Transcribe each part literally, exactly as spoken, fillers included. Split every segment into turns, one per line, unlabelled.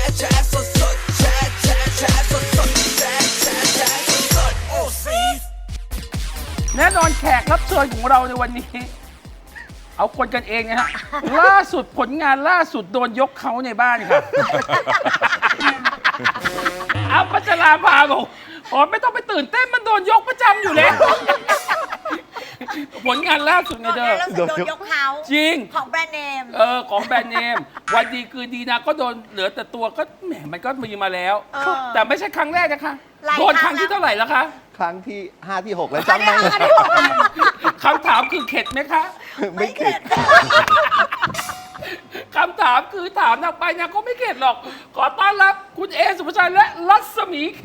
แชร์สดสดแชร์แชร์แชร์สดสดแชร์แชร์แชร์สดสดโอ้ซี
แน่นอนแขกรับเชิญของเราในวันนี้ เอาคนกันเองนะฮะ ล่าสุดผลงานล่าสุดโดนยกเขาในบ้านครับอัมพัชราภาบอกอ๋อไม่ต้องไปตื่นเต้นมันโดนยกประจำอยู่แล้ว ผลงานล่าสุดไงเธอ
โดนยกเขา
จริง
ของแบรนด์เนม
เออของแบรนด์เนม วันดีคือดีนะก็โดนเหลือแต่ตัวก็แหมมันก็มีมาแล้ว
เออ
แต่ไม่ใช่ครั้งแรกนะคะ
หลาย
โดนครั้งที่
ครั้งแล้ว
เท่าไหร่แล้วคะ
ครั้งที่ห้าที่หกแล้วจำไหม
อันนี้บอกว่า
คำถามคือเข็ดไหมคะ
ไม่เข็ด
คำถามคือถามนางไปนางก็ไม่เข็ดหรอก ขอต้อนรับคุณเอสุภาชัยและรัศมีแข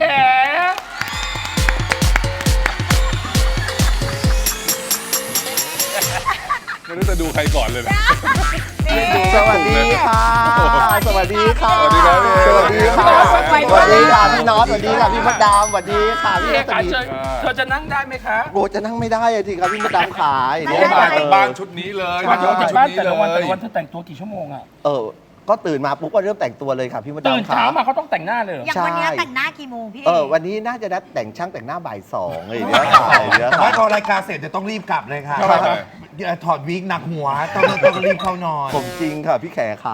ไม่รู้จะดูใครก่อนเลยนะ
สวัสดีค่ะ สวัสดีค่ะ
สวัสดีครับพี่เอ
สวัสดีค่ะ
สวัสดี
สวัสดีค่ะพี่น็อตสวัสดีค่ะพี่มดดามสวัสดีค่ะพี่
พี่เอ
รัศ
ขา
มี
เชิญเธอจะนั่งได้ไหมคะ
โอ้จะนั่งไม่ได้อะทีครับพี่มดดามขาย
โอ้มาจากบ้านชุดนี้เลย
มาจาก
ชุด
บ้าน
นี้
แต่
เล
ละวันแต่
ย
ละวันเธอแต่งตัวกี่ชั่วโมงอะ
เออ ก็ตื่นมาปุ๊บก็เริ่มแต่งตัวเลยค่ะพี่มดดา
ตื่
ม
น
ขา
เช้ามาเขาต้องแต่งหน้าเลยเหรอ
อย่างวันนี้แต่งหน้ากี่โมงพี่
เออวันนี้น่าจะนัดแต่งช่างแต่งหน้าบ่ายสองเลยเดี๋ยวค่ะเดี๋ยว
ไม่
ค่ะ
พอรายการเสร็จจะต้องรีบกลับเลยค่ะ
ทำไมทำไม
เดี๋ยวถอดวิกหนักหัว ต้องต้องรีบเข้านอน
ผมจริงค่ะพี่แขขา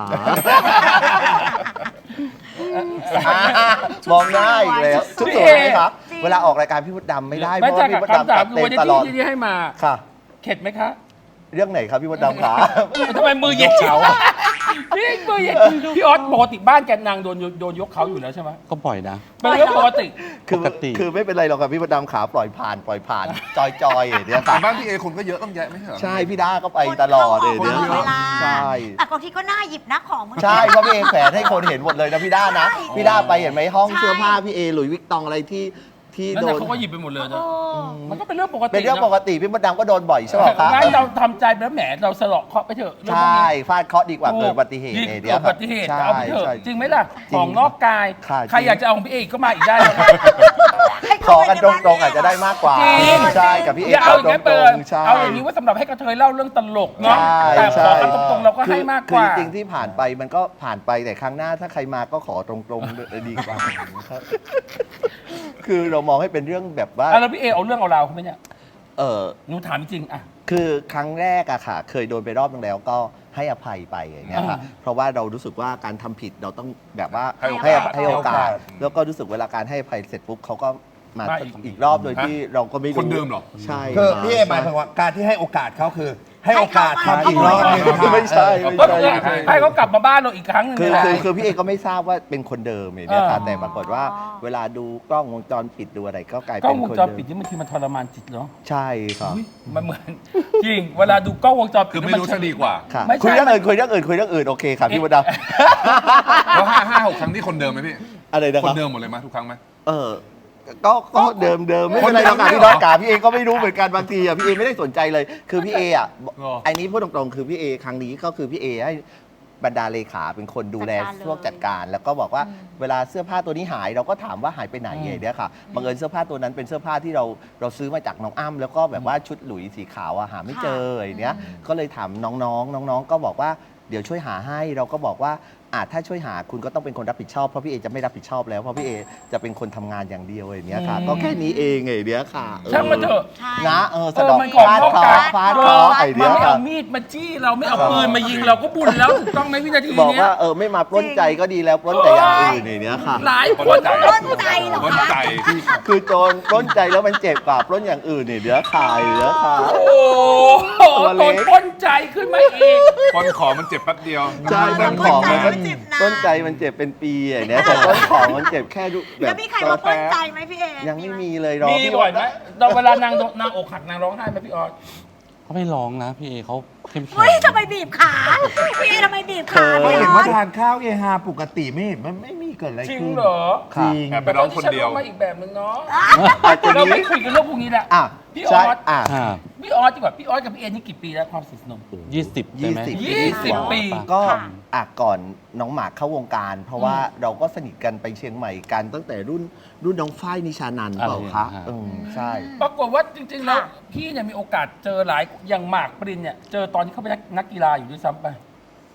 มองหน้าอีกแล้วทุกคนไหมคะเวลาออกรายการพี่มดดำไม่ได้เพ
ไม่
ราะ
ใช่
ว่าพี่
ค่ะ
มดดำ
คำถา
จั
ม
ด
คือ
เต็
วันนี้
มตลอด
ที่ที่ให้มา
ค่ะ
เข็ดไหมคะ
เรื่องไหนครับพี่มดดำขา
ทำไมมือเย็นเฉาพี่มือเย็นพี่ออสปกติบ้านแกนนางโดนโดนยกเขาอยู่แล้วใช่ไหม
ก็บ่อยนะ
เป็นเรื่องปกติ
คือ
ปกติ
คือไม่เป็นไรหรอกครับพี่มดดำขาปล่อยผ่านปล่อยผ่าน จอยจอยๆเนี่ยค่ะ
บ้านพี่เอคนก็เยอะต้องแยะไม่ใช่เหรอ
ใช่พี่ด้าก็ไปตลอดเลย
คน
เนี่ย
เข้าออกตลอดเวลา
ใช่
แต่บางทีก็น่าหยิบนะของมึง
ใช่เพราะพี่เอแขวนให้คนเห็นหมดเลยนะพี่ด้านะ
ใช่
พี่ด้าไปเห็นไหมห้อง
ใช่
เสื้อผ้าพี่เอหลุยส์วิกตองอะไรที่ที่
นั่น
โด
แหละ
น
เขาก็หยิบไปหมดเลย
โอ้
นะมันก็เป็นเรื่องปกติ
เป็นเรื่องปกติพี่มดดำก็โดนบ่อยใช่ไหมคะ
งั้นเราทำใจแล้วแหมเราสลอกเคาะไปเถอะเรื่อง
ใช
พวก่ นี้
ฟาดเคราะห์ดีกว่าเกิดอุบัติเหตุ
ดี
เนี่ย
เกิดอุบัติเหตุ
ใช่
เอาไปเถอะ
ใช่
จริงไหมล่ะ
จริง
ของนอกกาย
ค่ะ
ใคร
จริง
อยากจะเอาของพี่เอกก็มาอีกได้นะ
ให้
ขอ
เข้าไป
กัน
ใน
ต
บ้าน
รงๆอาจจะได้มากกว่า
จริง
ใช่กับพี่เอ
อย่าเอาอย่าง
ต
นั้น
ร
เปิด
งๆใช่
เอาอย่างนี้ว่าสำหรับให้กระเทยเล่าเรื่องตลกเนาะ
ใช่
แต่ขอ
ใช่
กันตรงๆเราก็ให้มากกว่า
คือจริงๆที่ผ่านไปมันก็ผ่านไปแต่ครั้งหน้าถ้าใครมาก็ขอตรงๆดีกว่าครับคือเรามองให้เป็นเรื่องแบบว่า
อ่ะแล้วพี่เอเอาเรื่องเอาราวเขาไหมเนี่ย
เออ
หนูถามจริงๆอ่ะ
คือครั้งแรกอะค่ะ เคยโดนไปรอบนึงแล้วก็ให้อภัยไปอย่างเงี้ยค่ะ
อ่า
เพราะว่าเรารู้สึกว่าการทำผิดเราต้องแบบว่า
ให้โอกาส
ให้ให้โอกาส
ให้โอกาส
แล้วก็รู้สึกเวลาการให้อภัยเสร็จปุ๊บเขาก็มา
มาอีก
อีกรอบโดยที่เราก็ไม่รู้
คนเดิมเหรอ
ใช่
คือ
รับ
พี่เอหมายถึงว่าการที่ให้โอกาสเขาคือ ให้โอกาส
ให้
ทำ
เขา
อีกรอบหนึงค่ะ
ไม่ใช่
เออ
ไม่
ก็
ใช่
คือให้เขากลับมาบ้านเราอีกครั้งหนึง
คือ
นี่แหละ
คือคือพี่เอก็ไม่ทราบว่าเป็นคนเดิมอย่างเงี้ยค่ะ
อ่า
แต่ปรากฏว่าเวลาดูกล้องวงจรปิดดูอะไรก็กลาย
กล้อ
เป็
ง
น
วง
คน
จร
เดิ
ปิด
ม
นี่บางทีมันทรมานจิตเนาะ
ใช่ครับ
มันเหมือน จริง เวลาดูกล้องวงจรปิด
คือไม่รู้จะดีกว่า
ค่ะ
ไม่ใช่
คุยเรื่องอื่นคุยเรื่องอื่นคุยเรื่องอื่นโอเคค่ะพี่วดด
แล้วห้าห้าหกครั้งที่คนเดิมไหมพี่
ำอะไรนะ
ค
คน รับ
เดิมหมดเลยไหมทุกครั้งไหม
เออ ก็ก็เดิมเดิมไม่เป็นไรหรอกค่ะพี่น้องกาพี่เอก็ไม่รู้เหมือนกันบางทีอ่ะพี่เอไม่ได้สนใจเลย คือพี่เออ่ะไอ้นี้พูดตรงๆคือพี่เอครั้งนี้ก็คือพี่เอให้บรรดาเลขาเป็นคนดูแลพวกจัดการ แล้วก็บอกว่าเวลาเสื้อผ้าตัวนี้หายเราก็ถามว่าหายไปไหนอย่างเงี้ยค่ะบังเอิญเสื้อผ้าตัวนั้นเป็นเสื้อผ้าที่เราเราซื้อมาจากน้องอ้ำแล้วก็แบบว่าชุดหลุยสีขาวอะหาไม่เจออย่างเนี้ยก็เลยถามน้องๆน้องๆก็บอกว่าเดี๋ยวช่วยหาให้เราก็บอกว่าอาจถ้าช่วยหาคุณก็ต้องเป็นคนรับผิดชอบเพราะพี่เอจะไม่รับผิดชอบแล้วเพราะพี่เอจะเป็นคนทำงานอย่างเดียวอย่างเนี้ยค่ะ ก็แค่นี้เองไงเนี้ยค่ะเออ
ช่างมันเถอะ
ใช่
นะเออสะดอก
เออมันของ
ฟาด
นอก
เคราะ
กาย
ห์ฟาดเคราะห์ไอ
มั
เนี้
น
ย
ไม่
ค่ะ
เอามีดมาจี้เราไม่เอาปืนมายิงเราก็บุญแล้วถูกต้องไหมวินาที
บอก
เนี้ย
ว่าเออไม่มาปล้นใจก็ดีแล้วปล้นแต่อย่างอื่นอย่างเนี้ยค่ะ
หลายคน
ปล้นใจ
ปล้นใจเหรอ
ปล้น
คะ
ใจ
คือโจรปล้นใจแล้วมันเจ็บกว่าปล้นอย่างอื่นเนี่ยเดี๋ยวขายเดี๋ยวขาย
โอ้โห
ตัวเล็
โด
ก
นปล้นใจขึ้นมาอีก
คนของมันเจ็บแป๊บเดียว
ใช่
ต้
ต้
น
น
ข
ข
อ
อง ง
มั
มัน น
ก็
ก็
เจ็บนะ
ต้นใจมันเจ็บเป็นปีอย่างเนี้ยแต่ต้นของมันเจ็บแค่ดูแบ
แล้ว
บ
มีใครมาปล้นใจไหมพี่เอ
ยังไม่มีเลยรอ
มี
พี่
บ่อยไหมเราเวลานางโดนนางอกหักนางร้องไห้ไหมพี่ออส
เขาไม่ร้องนะพี่เอเขาเข้มแข็ง
เฮ้ยทำไมบีบขาพี่เอทำไมบีบขา
เพราะ
พี่
เห็น
ออ
ว่า
ส
ทานข้าวเอฮาปกติไม่เห็นมันไม่มีเกิดอะไร
จริง
ขึ้น
เหรอ
จริง
แอบไปร้องคนเดียว
แต่ตอที่ฉันร้องมาอีกแบบนึงเนาะ
อาจจะ
เรา
มี
ไม่คุยกันเรื่องพวกนี้แหละ
อ่ะ
พี่อ
ใช่
อส
อ่ะ
ค่ะ
พี่ออสดีกว่าพี่ออสกับพี่เอนี่กี่ปีแล้วความสนิทสนม
ยี่สิบใช่ไหม
ยี่สิบ
ยี่สิบปี
ก็
ค่ะ
อ่ะก่อนน้องหมากเข้าวงการ เพราะว่าเราก็สนิทกันไปเชียงใหม่กันตั้งแต่รุ่นรุ่นน้องฝ้ายนิชานันท์เปล่าคะ
อ่า
อืมใช่
ปรากฏว่าจริงๆแล้ว
ค่ะ
พี่เนี่ยมีโอกาสเจอหลายอย่างหมากปรินเนี่ยเจอตอนที่เขาเป็นนักนักกีฬาอยู่ด้วยซ้ำไป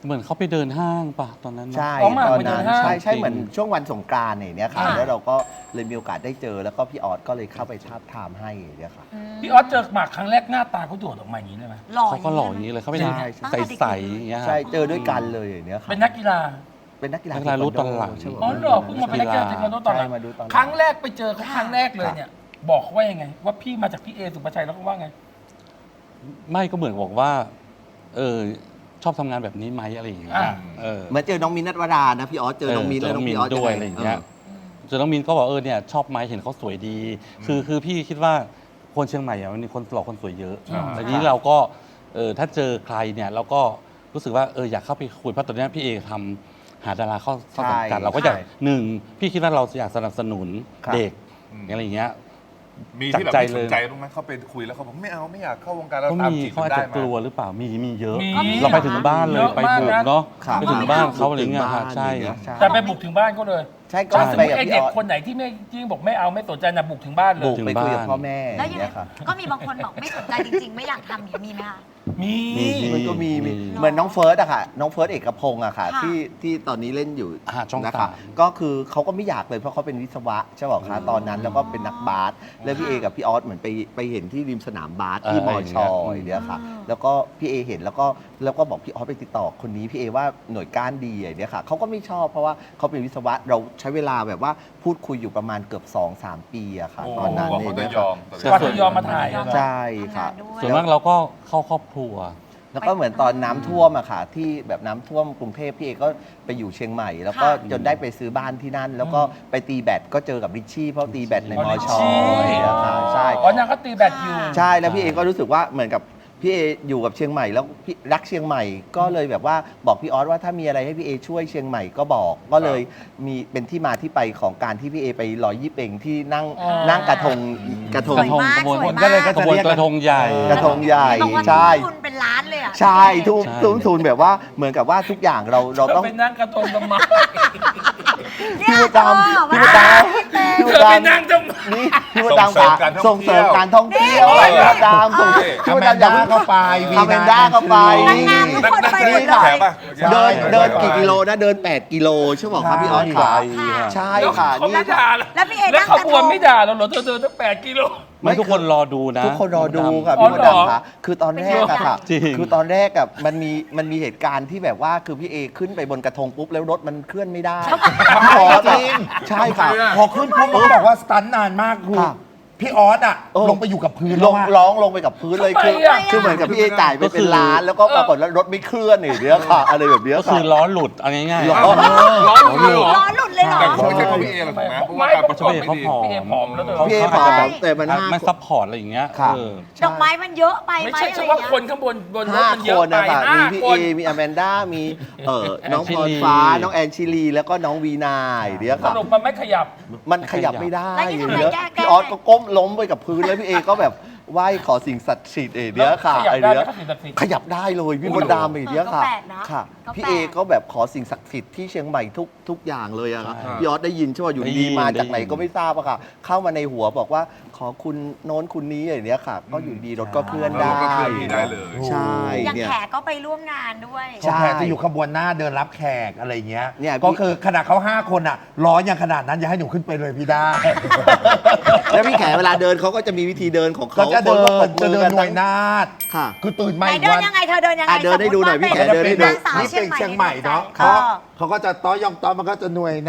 เหมือนเขาไปเดินห้างป่ะตอนนั้นเนอะ
ใช่
อ๋อหมาก
ตอน
ไปเดิ
นั้น น
ห้าง
ใช่ใช่
จริง
เหมือนช่วงวันสงกรานต์เนี่ยค่ะ
อ่า
แล้วเราก็เลยมีโอกาสได้เจอแล้วก็พี่ออสก็เลยเข้าไปทาบทามให้เนี่ยค่ะ
พี่ออสเจอหมากครั้งแรกหน้าตาเขาโดดออกมาอย่างนี้เลยไหม
หล่อ
เขาก็หล่ออย่างนี้เลยเขาเป็น
ใช่ใช่
ใสๆอย่างเงี้ย
ใช่เจอด้วยกันเลยอย่างเนี้ยค่ะ
เป็นนักกีฬา
เป็นนักกีฬา
นักกีฬารู้ตอนหลัง
ใช่ไหม
อ๋อเหรอเพิ่งมาเป็นนักกีฬาเทควันโดตอนหลัง
ใช่มาดูตอนหลัง
ครั้งแรกไปเจอเขาครั้งแรกเลยเนี่ย บอกเขาว่ายังไง ว่าพี่มาจากพี่เอสุภาชัยแล้วเขาว่าไง
ไม่ก็เหมือนบอกว่า เออชอบทำงานแบบนี้ไหมอะไรอย่างเงี้ย
อ่า
เออ
เหมือนเจอน้องมินท์นัทวรานะพี่ออสเจอน้องมินท์
เจ
แล้ว
อน้
น้
อ
อง ง
มิ
พี่
น
ออส
ด้วย
งง
อะไรอย่างเงี้ย
อ
เจอน้องมินก็บอกเออเนี่ยชอบไหมเห็นเขาสวยดี คือคือพี่คิดว่าคนเชียงใหม่อะมันมีคนหล่อคนสวยเยอะ
ใช่
แต่ทีนี้เราก็เออถ้าเจอใครเนี่ยเราก็รู้สึกว่าเอออยากเข้าไปคุยเพราะตอนเนี้ยพี่เอทำหาดาราเข้าเข้าสังกัด
ใช่
เราก็อยาก
ใช่
หนึ่งพี่คิดว่าเราอยากสนับสนุน
ครับ
เด็ก
อืม
อะไรอย่างเงี้ย
มีที่แบบ
จากใจ
ไม่สนใจ
เลย
บ้างไหมเขาไปคุยแล้วเขาบอกไม่เอาไม่อยากเข้าวงการแล้ว
เขา
ตาม
มี
จีบ
เขาอาจ
ได้
จะ
มาก
ลัวหรือเปล่ามีมีเยอะ
มี
เราไปถึงบ้านเลย
เยอะ
ไป
มาก
บุก
นะ
เนาะ
ครับ
ไปถึงบ้านเขาอะไรเงี้ยค่ะใช่
ใช่
แต่ไปบุกถึงบ้านก็เลย
ใช่ก็
ถ้าสม
ไป
มติ
กับ
ไอ
พี่
เด็
อก อส
คนไหนที่ไม่ที่บอกไม่เอาไม่สนใจนะบุกถึงบ้านเล
บุ
ย
กไปคุยกับพ่อแม่
แล้ว
อ
ยั
ย่าง
งไง
เงี้ยค่ะ
ก็มีบางคนบอกไม่สนใจจริง ๆ ไม่อยากทำอย่างนี้มีไหมคะ
มี
มี
มันก็มีมี
มี
เหมือนน้องเฟิร์สอะค่ะ น้องเฟิร์สเอกพงศ์อะค่ะ
ค่ะ
ที่ที่ตอนนี้เล่นอยู่
อ่าช่อง
นะ
สา
คะ
ม
ก็คือเขาก็ไม่อยากเลยเพราะเขาเป็นวิศวะใช่ไหมคะตอนนั้นแล้วก็เป็นนักบาสแล้วพี่เอกับพี่ออสเหมือนไปไปเห็นที่ริมสนามบาสที่
เออ
มอชอ
อย่างเงี้ย
อย่างเงี้ยค่ะ แล้วก็พี่เอเห็นแล้วก็แล้วก็บอกพี่ออสไปติดต่อคนนี้พี่เอว่าหน่วยก้านดีอย่างเงี้ยค่ะเขาก็ไม่ชอบเพราะว่าเขาเป็นวิศวะเราใช้เวลาแบบว่าพูดคุยอยู่ประมาณเกือบสองสามปีอะค่ะ
โอ้
ตอนนั้น
กว่า
เอ
เขา
ง
จะ
เนี่ย
ยอ
ค่ะ
ม
กว่าจะยอมมาถ่ายอะ
ใช่ค่ะ
ทำงานด้วย
ส่วนมากเราก็เข้าครอบครัว
แล้วก็เหมือนตอนน้ำท่วมอะค่ะที่แบบน้ำท่วมกรุงเทพพี่เอก็ไปอยู่เชียงใหม่ แล้วก็
ค่ะ
จนได้ไปซื้อบ้านที่นั่น แล้วก็ไปตีแบดก็เจอกับริชชี่เพราะตีแบดใน
อ๋อ
มอ
ริช
ช
ชี่
ออย่างเงี้ยค่ะใช่
อ๋อนางก็ตีแบตอยู่
ใช่แล้วพี่เอก็รู้สึกว่าเหมือนกับพี่เออยู่กับเชียงใหม่แล้วพี่รักเชียงใหม่ก็เลยแบบว่าบอกพี่ออสว่าถ้ามีอะไรให้พี่เอช่วยเชียงใหม่ก็บอก ก็เลยมีเป็นที่มาที่ไปของการที่พี่เอไปลอยยี่เป่งที่นั่ง
อ๋อ
นั่งกระทงกระท
ส
ง
วยมาก
กระทง
สวย
ก็เลย
มาก
ก็
กระบวนกระทงใหญ่
กระทงใหญ่
บอกว่า
ใช่
ทุนเป็นล้านเลยอ่ะ
ใช่ทุ่ม
ใช่
ทุ่มทุนแบบว่าเหมือนกับว่าทุกอย่างเราเรา
เธอ
ต้อง
ไปนั่งกระทงทำไม
เนี่ย
พี่มดดำ
เออ
พี่มดดำ
เป็น
พี่ม
เธ
ด
อไป
ดำ
นั่งทำไม
นี่พี่มดดำ
ส่งเสริม
ค่ะ
การท่องเที่ยว
ส่งเสริมการท่องเที่ยว
นี่
พี่มดดำส่ง
นี่
พี่
อ
มด
แมน
ดำอย่า
ด้า
เพิ่ง
เข้าไป
อแมนด้าเข้าไป
นางงามทุกคนไปหมดเล
แข
ย
กป่ะ
เดิน
ใช่
เดินกี่กิโลนะเดิน แปด กิโลใช่ไหมครับพี่ออส
ไกล
ค่ะ
ค่ะ
ใช่
แล้ว
ค่ะ
เขา
นี่
ไม่ด่าเหรอ
แล้วพี่เอ
แล้ว
นั่ง
เขา
กระ
บ
ท
วน
ง
ไม่ด่าเราเหรอเธอเดินตั้งแปดกิโล
ไม่ทุกคนรอดูนะ
ทุกคนรอดูค่ะ
อ๋อ
พี่มด
เหรอ
ดำค่ะคือตอนแรกอะค่ะ
จริง
คือตอนแรกอะมันมีมันมีเหตุการณ์ที่แบบว่าคือพี่เอขึ้นไปบนกระทงปุ๊บแล้วรถมันเคลื่อนไม่ได้พี่ออสอะใช่ค่ะ
พอขึ้นปุ๊บมันก็บอกว่าสตันนานมากคือ
ค่ะ
พี่ออสอ่ะ
เออ
ลงไปอยู่กับพื้น
ล
แล้ว
ง
อะ
ร้องลงไปกับพื้นเลย
ทำไม
คือ
อะ
คือเหมือนกับพี่เอจ่ายไป
ก็คื
เป็น
อ
ล้านแล้วก็ปรากฏว่ารถไม่เคลื่อนอย่างเนี้ยค่ะ อะไรแบบเนี้ย
ก็
ค่ะ
คือล้อหลุดเอาง่าย
ล้อ
ร้อนเลยเหรอ
ร้อนหลุดเลยเหรอ
แต่คงไม่ใช่เพราะพี่เอหรอกถูกไหมเพราะว่าการประกอบไม่ดี
ไม่
พี่เอผอมแล้วเธอ
พี่เอ
เขา
ผอ
อาจจะแบ
ม
บ
แต่มันห้า
ไม่ซัพพอร์ตอะไรอย่างเงี้ย
ค่ะ
เออ
ดอกไม้มันเยอะไปไหม
ไม่ใช่
อะไร
เฉ
อย่า
พาะ
งเงี้ย
คนข้างบนบนรถ
ห้า
มัน
ค
เยอะ
น
ไป
นะคะ
ห้า
มีพี่
ค
เอน มีอแมนด้ามีเอ่อน้องพรฟ้าน้องแอนชิลีแล้วก็น้องวีนาอย่างเนี้ย
ส
ค่ะ
รุปมันไม่ขยับ
มันขยับไม่ได้
แล้วยังไง
เนี้ย
แก้แก้
พี่ออสก็ก้มล้มไปกับพื้นแล้วพี่เอก็แบบไหว้ขอสิ่งศักดิ์สิทธิ์เอเนี้ยค่ะ
ขยับ
ไอ
ได้
เนี้
ไหม
ย
ครับสิ่งศักดิ์สิทธิ์
ขยับได้เลยพี่มดดามไอเนี้ยค่ะค่ะ พี่เอก็แบบขอสิ่งศักดิ์สิทธิ์ที่เชียงใหม่ทุกทุกอย่างเลยอะค่ะ
ใช่
พี่ออสได้ยินใช่ไหมอยู่
ได้ยิ
ดี
น
มาจากไหน
ได้ยิน
ก็ไม่ทราบอะค่ะ เข้ามาในหัวบอกว่าขอคุณโน้นคุณนี้อย่างเนี้ยค่ะ ก็อยู่ดีรถก็เคลื่อนได้
รถก็เคลื่อนที่ได้เลย
ใช่
อย่าง
เนี่ย
แขกก็ไปร่วมงานด้วย
ใช่
แขกจะอยู่ขบวนหน้าเดินรับแขกอะไรเงี้ย
เนี่ยพี่
ก็คือขนาดเขาห้าคนอ่ะ ร้อนอย่างขนาดนั้นอย่าให้หนูขึ้นไปเลยพี่ด้า
แล้วพี่แขเวลาเดินเขาก็จะมีวิธีเดินของ
ก็
เขา
จะเดิ
คนก็ปร
น
บ
จะ
มือ
เดิ
กัน น
หน่วยนาฏ
ค่ะ
คือตื่นมา
ไหน
อีก
เดิน
วัน
ยังไงเธอเดินยังไง
อ่ะเดินให้ดูหน่อยพี่แข
จะ
เดิน
เป็
ให้
น
ดู
นางสาว
นี่
เชีย
เป็
ง
น
ใหม่
เชียงใหม่เนาะ
เอ
เขา
อ
เขาก็จะต้อยองต้อมันก็จะหน่วยนะ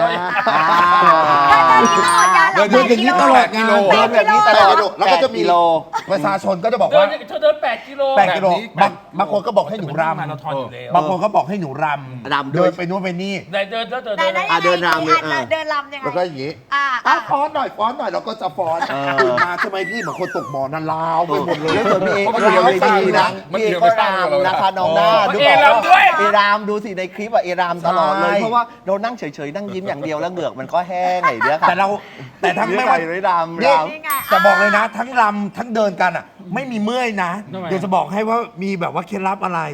เธอเดินอย่างนี้ตลอดงานเหรอ
เดินอย่างนี้ตลอดงาน
แปดกิโล
เดินแบบนี้ตลอดแล้วก็จะมี
แปดกิโล
ประชาชนก็จะบอก
เดิ
ว่าน
เธอเดินแปดกิโล
แปดกิโล
แบบนี้
บางบางคนก็บอกให้หนู
มาราธอน
รำ
อยู่แล้ว
บางคนก็บอกให้หนูรำ
รำด้วย
เดินไปนู่นไปนี่
ไหนเดินแล้วเดิน
ไหน
เดิน
ไหน
แล้ว
อ่ะเดินรำเลย
อ่ะ
อ่ะ
เดินรำยังไง
แล้วก็อย่างนี้
อ่า
อ่ะ
อ่ะ
ฟ้อนหน่อยฟ้อนหน่อยเราก็จะฟ้อน
เออ
ตื่นมาใช่ไหมพี่เหมือนคนตกบ่อนันลาวไปหมดเลย
แล้วส่วนพี่เอ
เพราะ
ก็
มัน
ดู
ยาว
เว
ให้
ที
ฟัง
นะ
นะ
พี่เอก็รำนะคะน้องหน้าดู
เอรำด้วย
เอรามดูสิในคลิปอะเอรามตลอดเลย
ใช่
เพราะว่าเรานั่งเฉยๆนั่งยิ้มอย่างเดียวแล้วเหงือกมันก็แห้งไอ้เนี้ยค่ะ
แต่เราแต่ทั้งไม่
ไม่
ว่า
ไหวเลยรำ
นี่
รำ
นี่ไง
จะบอกเลยนะ ทั้งรำทั้งเดินกันอ่ะไม่มีเมื่อยนะ
ทำไม
เดี๋ยวจะบอกให้ว่ามีแบบว่าเคล็ดลับอะไร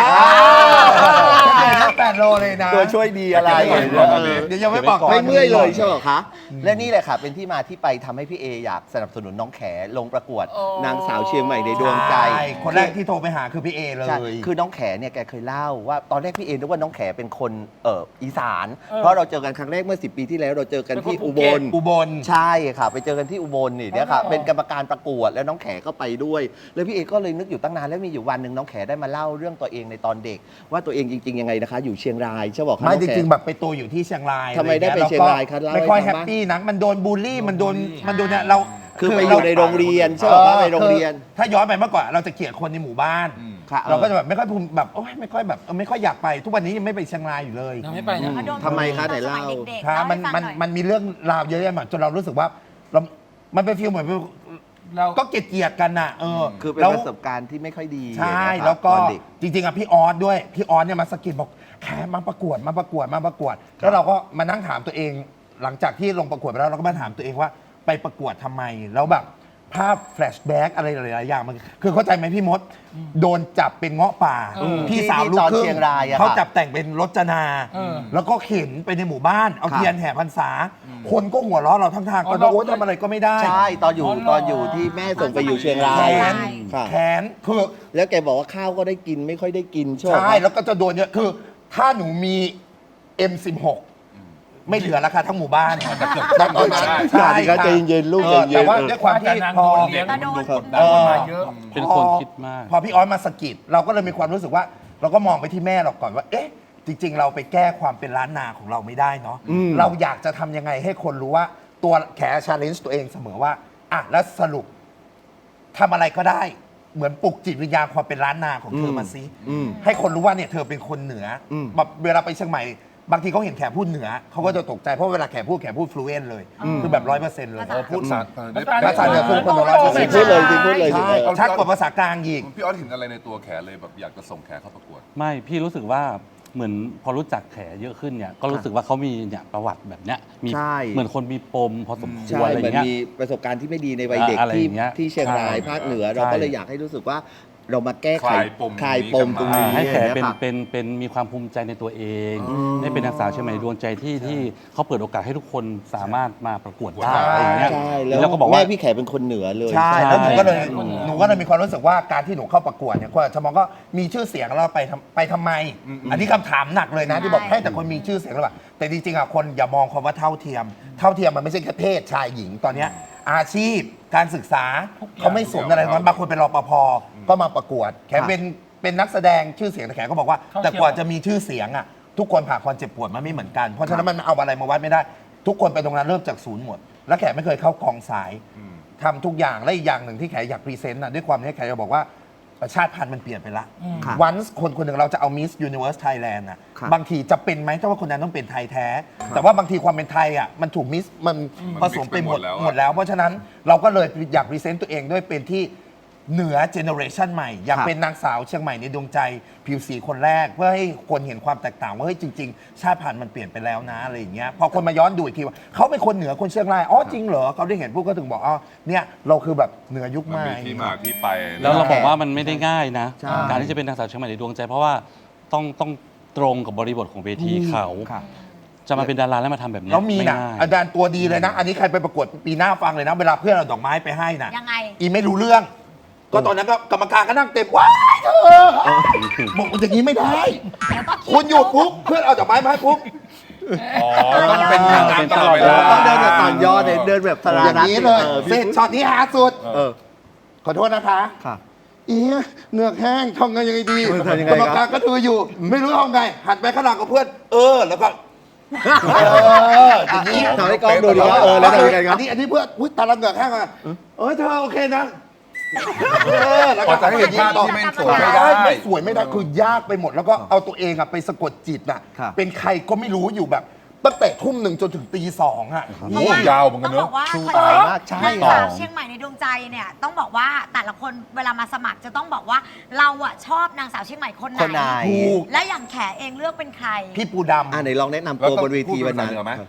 แค่แปดโลเลยนะ
ตัวช่วยดีอะไร
เดี๋ยวยังไม่บอก
ไม่เมื่อยเลยใช่ไหมคะ และนี่แหละค่ะ เป็นที่มาที่ไปทำให้พี่เออยากสนับสนุนน้องแขลงประกวด นางสาวเชียงใหม่ในดวงใจ
ใช่คนแรกที่โทรไปหาคือพี่เอเล
ใช่
ย
คือน้องแขเนี่ยแกเคยเล่าว่าตอนแรกพี่เอนึกว่าน้องแขเป็นคนเอ่ออีสาน เพราะเราเจอกันครั้งแรกเมื่อสิบปีที่แล้วเราเจอกันที่
เป็นคนภู
อุ
เก็
บ
ต
ล
อุบล
ใช่ค่ะ ไปเจอกันที่อุบลนี่เนี่ยค่ะ
อ๋อ
เป็นกรรมการประกวดแล้วน้องแขก็ไปด้วย แล้วพี่เอก็เลยนึกอยู่ตั้งนานแล้วมีอยู่วันหนึ่งน้องแขได้มาเล่าเรื่องตัวเองในตอนเด็ก ว่าตัวเองจริง ๆยังไงนะคะ อยู่เชียงรายใช่บอกคะ
ไม่
น้อ
จ
แข
ริงๆแบบไปตัวอยู่ที่เชียงราย
ทำไมได้ไปเชียงรายคะเล่าให้
ไม่ค่อย
ฟัง
แฮป
บ้าง
ปี้นะมันโดนบูลลี่มันโดนมันโดนเนี่ยเรา
คือไปอยู่ในโรงเรียนใช่ไหมคะไปโรงเรียน
ถ้าย้อนไปเมื่อก่อนเราจะเกลียดคนในหมู่บ้าน
ค่ะ
เราก็จะแบบไม่ค่อยภูมิแบบโอ๊ยไม่ค่อยแบบเออไม่ค่อยอยากไป ทุกวันนี้ยังไม่ไปเชียงรายอยู่เลย
ทำให้ไปนะ
เขาโดน
ทำไมคะไหนเล่า
ตอสมัยเด็กๆ
ครับ
เล่า
มัน
ให้ฟัง
มัน
หน่อย
มันมีเรื่องราวเยอะแยะมากจนเรารู้สึกว่าเรา มันเป็นฟีลเหมือน
เรา
ก็เกลียดๆกันน่ะเออ
คือเป็น
แล้ว
ประสบการณ์ที่ไม่ค่อยดี
ใช่
นะครับ
แล้วก็
ตอนเด็ก
จริงๆอ่ะพี่ออสด้วยพี่ออสเนี่ยมาสะกิดบอกแขมาประกวดมาประกวดมาประกวด แล้วเราก็มานั่งถามตัวเอง หลังจากที่ลงประกวดไปแล้วเราก็มาถามตัวเองว่าไปประกวดทำไมแล้วแบบภาพแฟลชแบ็กอะไรหลายๆอย่างมันคือเข้าใจไหมพี่มด โดนจับเป็นเงาะป่า
เออ
พี่สาวลูก
ที่ตอน
ครึ่
เชียงรายอะ
เขา
ค่ะ
จับแต่งเป็นรจนา
เออ
แล้วก็เข็นไปในหมู่บ้านเอา
ครับ
เทียนแห่พรรษา คนก็หัวเราะเราทั้งทาง
อ๋อ
ก็โอ้
เรา
ทำอะไรก็ไม่ได้
ใช่ตอนอยู่
อ๋อเหรอ
ตอนอยู่ที่แม่ส่งไปอยู่เชียงรา
แข
ย
น
ค่ะ
แขนคือ
แล้วแกบอกว่าข้าวก็ได้กินไม่ค่อยได้กินใช่ไหม
ใช่แล้วก็จะโดนเยอะคือ ถ้าหนูมี เอ็ม สิบหก ไม่เหลือแล้วค่ะทั้งหมู่บ้านตอนตอนนั้น
ใช่ครับใจเย็นๆลูก
เอ
ใจ
อ
เย็นๆ
แต่ว่า
เออ
ด้วยความที่
แต่นาง
พอ
โดนเลี้ยง
แต่โดน
กดดันมาเยอะ
เป็นคนคิดมาก
พอพี่ออสมาสะกิดเราก็เลยมีความรู้สึกว่า เราก็มองไปที่แม่เราก่อนว่า เอ๊ะ จริง ๆ เราไปแก้ความเป็นล้านนาของเราไม่ได้เนาะเราอยากจะทำยังไงให้คนรู้ว่าตัวแขชาเลนจ์ตัวเองเสมอว่าอ่ะแล้วสรุปทำอะไรก็ได้ เหมือนปลุกจิตวิญญาณความเป็นล้านนาของเธอมาซิ
อืม
ให้คนรู้ว่าเนี่ยเธอเป็นคนเหนืออ
ม
แบบเวลาไปเชียงใหม่ บางทีเขาเห็นแขพูดเหนือเขาก็จะตกใจเพราะเวลาแขพูดแขพูดฟลูเอนเลย คือแบบร้อยเปอร์เซ็นต์เลย
ภาษา
เออพูดภาษา
ภาษาเหนือคือคนร้อยเปอร์เซ็นต์
พูดเลยสิพูดเลยสิ
ใช่ชัดกว่าภาษากลางอีก
พี่ออสเห็นอะไรในตัวแขเลยแบบอยากจะส่งแขเข้าประกวด
ไม่พี่รู้สึกว่าเหมือนพอรู้จักแขเยอะขึ้นเนี่ยก็รู้สึกว่าเขามีเนี่ยประวัติแบบเนี้ยมี
ใช่
เหมือนคนมีปมพอสมค
ใช่
วรอะไร
เหมือน
เงี้ย
มีประสบการณ์ที่ไม่ดีในวัยเด็ก
อะไรอ
ที่
ย่างเงี้ย
ที่เชียงราย
ใช่
ภาคเหนือ
ใช่
เราก็เลยอยากให้รู้สึกว่าเรามาแก้ไข
คลายปม
คลายปมตรงนี้
อ่าให้แข
เนี่ย
เป็น
ค่ะ
เป็นเป็นมีความภูมิใจในตัวเองได้เป็นนางสาวเชียงใหม่ดวงใจที่ที่เขาเปิดโอกาสให้ทุกคนสามารถมาประกวดได้อะไรอย่างเงี้ย
ใช่แล้ว
แล้วก็บอกว่า
แม่พี่แขเป็นคนเหนือเลย
ใช่
ใช่
แล้วหนูก็เลย
ใช่
หนูก็เลยมีความรู้สึกว่าการที่หนูเข้าประกวดเนี่ยคนอาจจะมองก็มีชื่อเสียงแล้วไปทำไปทำไม อันนี้คำถามหนักเลยนะที่บอกให้แต่คนมีชื่อเสียงแล้วแบบแต่จริงๆอ่ะคนอย่ามองคำว่าเท่าเทียม เท่าเทียมมันไม่ใช่แค่เพศชายหญิงตอนเนี้ยอาชีพการศึกษาเขาไม่สนอะไรทั้งนั้นบางคนเป็นรปภก็มาประกวดแขกเป็นเป็นนักแสดงชื่อเสียงแต่แขกก็บอกว่า
เท่าเทียม
แต่กว่าจะมีชื่อเสียงอ่ะทุกคนผ่านความเจ็บปวดมาไม่เหมือนกันเพราะฉะนั้นมันเอาอะไรมาวัดไม่ได้ ทุกคนไปตรงนั้นเริ่มจากศูนย์หมด แล้วแขกไม่เคยเข้ากองสาย ทำทุกอย่างและอีกอย่างหนึ่งที่แขกอยากพรีเซนต์นะด้วยความที่แขกจะบอกว่าชาติพันธุ์มันเปลี่ยนไปละ
ค่ะ
วันคนคนหนึ่งเราจะเอา Miss Universe Thailand น่ะ
ค่ะ
บางทีจะเป็นไหมถ้าว่าคนนั้นต้องเป็นไทยแท้ แต่ว่าบางทีความเป็นไทยอ่ะมันถูกมิสมันผสมไปหมด
มัน mix ไปหมดแล้วอะ
หมดแล้ว เพราะฉะนั้นเราก็เลยอยากพรีเซนต์ตัวเองด้วยเป็นที่เหนือเจเนอเรชันใหม่ อยาก
ค่ะ
เป็นนางสาวเชียงใหม่ในดวงใจผิวสีคนแรก เพื่อให้คนเห็นความแตกต่างว่าเฮ้ยจริง ๆ ชาติพันธุ์มันเปลี่ยนไปแล้วนะอะไรอย่างเงี้ยพอคนมาย้อนดูอีกทีว่าเขาเป็นคนเหนือคนเชียงรายอ๋อจริงเหรอเขาได้เห็นพวกก็ถึงบอกอ๋อเนี่ยเราคือแบบเหนือยุค
มัน
ใหม่
มีที่มาที่ไป
แล้วเราบอกว่ามันไม่ได้ง่ายนะ
ใช่
การที่จะเป็นนางสาวเชียงใหม่ในดวงใจ เพราะว่าต้องต้องตรงกับบริบทของเวทีเขา
ค่ะ
จะมาเป็นดาราแล้วมาทำแบบเนี้ย
แล้วมี
ไ
นะอาจารย์ตัวดีเลยนะ อันนี้ใครไปประกวดปีหน้าฟังเลยนะ เวลาเพื่อนเอาดอกไม้ไปให้นะ
ยังไง
อีไม่รู้เรื่อง ก็ตอนนั้นก็กรรมการก็นั่งเต็มว้ายเธอบอกว่าอย่างนี้ไม่ได้ คุณอยู่ปุ๊บเพื่อนเอาดอกไม้มาให้ปุ๊บ
อ๋อต้องเป็นทางการตลอดเวลา
ต้องเดินแบบต่อนยอดเลยเดินแบบสรา
อย่าง
รัต
นี้
น์
เลย
ออ
เสร็
พี่
จช็อตนี้หาสุด
เออ
ขอโทษนะคะ
ค่ะ
อีเหงือกแห้งทำไงยังไงดี
เออทำยังไง
กรรม
ค
กา
รั
ร
บ
ก็ดูอยู่ ไม่รู้ทำไง หันไปข้างหลังกับเพื่อน เออ แล้วก็เอออย่างนี้
ทำให้กล้องดูดิว่าเออแล้วทำยังไงครับ
อันนี้อันนี้เพื่อนอุ้ยตาละเหงือกแห้งอ่ะเออเธอโอเคนะเออแล้ว
พอจะให้เห็นภาพที่ไม่สวยไม่ได้
ไม่สวยไม่ได้คือยากไปหมด แล้วก็เอาตัวเองอะไปสะกดจิตอะ
ครับ
เป็นใครก็ไม่รู้อยู่แบบตั้งแต่ทุ่มหนึ่งจนถึงตีสองอะ
โอ้โหยาวเหมือนกั
ต้
น
อง
เน
บ
อะ
อกว่า
ชู
คอน
ตา
เซ็ปต์
มากใช่
นางสาวเชียงใหม่ในดวงใจเนี่ยต้องบอกว่าแต่ละคนเวลามาสมัครจะต้องบอกว่าเราอะชอบนางสาวเชียงใหม่คน
คน
ไห
ไหน
น
ถูก
และอย่างแขเองเลือกเป็นใคร
พี่ปูดำ
อ่าไหนลองแนะนำตัวบนเวทีวันนั้น
แล้วต้องพูดภาษาเหนือไหม